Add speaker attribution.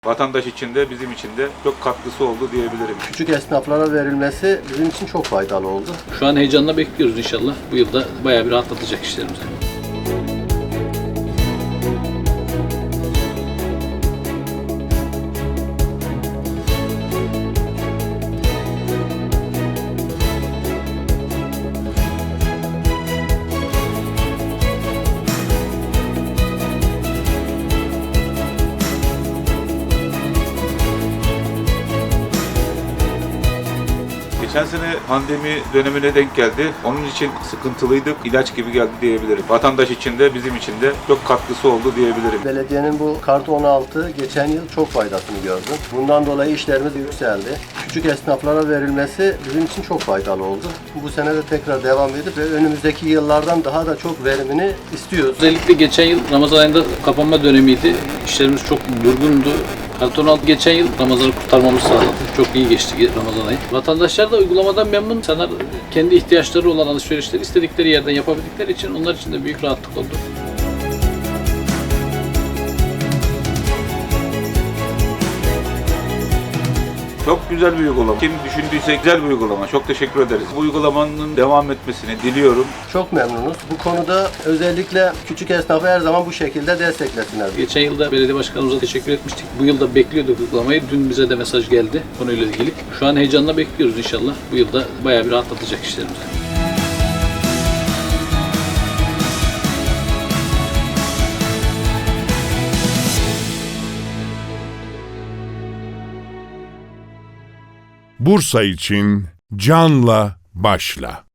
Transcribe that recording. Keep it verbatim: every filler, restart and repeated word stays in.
Speaker 1: Vatandaş için de bizim için de çok katkısı oldu diyebilirim.
Speaker 2: Küçük esnaflara verilmesi bizim için çok faydalı oldu.
Speaker 3: Şu an heyecanla bekliyoruz inşallah. Bu yılda bayağı bir rahatlatacak işlerimizi.
Speaker 1: Geçen sene pandemi dönemine denk geldi. Onun için sıkıntılıydık. İlaç gibi geldi diyebilirim. Vatandaş için de bizim için de çok katkısı oldu diyebilirim.
Speaker 2: Belediyenin bu Kartı on altı geçen yıl çok faydasını gördüm. Bundan dolayı işlerimiz yükseldi. Küçük esnaflara verilmesi bizim için çok faydalı oldu. Bu sene de tekrar devam edip ve önümüzdeki yıllardan daha da çok verimini istiyoruz.
Speaker 3: Özellikle geçen yıl Ramazan ayında kapanma dönemiydi. İşlerimiz çok durgundu. Karton altı geçen yıl Ramazan'ı kurtarmamızı sağladı. Çok iyi geçti Ramazan ayı. Vatandaşlar da uygulamadan memnun. İnsanlar kendi ihtiyaçları olan alışverişleri istedikleri yerden yapabildikleri için onlar için de büyük rahatlık oldu.
Speaker 1: Çok güzel bir uygulama. Kim düşündüyse güzel bir uygulama. Çok teşekkür ederiz. Bu uygulamanın devam etmesini diliyorum.
Speaker 2: Çok memnunuz. Bu konuda özellikle küçük esnafı her zaman bu şekilde desteklesinler.
Speaker 3: Geçen yılda belediye başkanımıza teşekkür etmiştik. Bu yılda bekliyorduk uygulamayı. Dün bize de mesaj geldi konuyla ilgili. Şu an heyecanla bekliyoruz inşallah. Bu yılda bayağı bir rahatlatacak işlerimizi.
Speaker 4: Bursa için canla başla.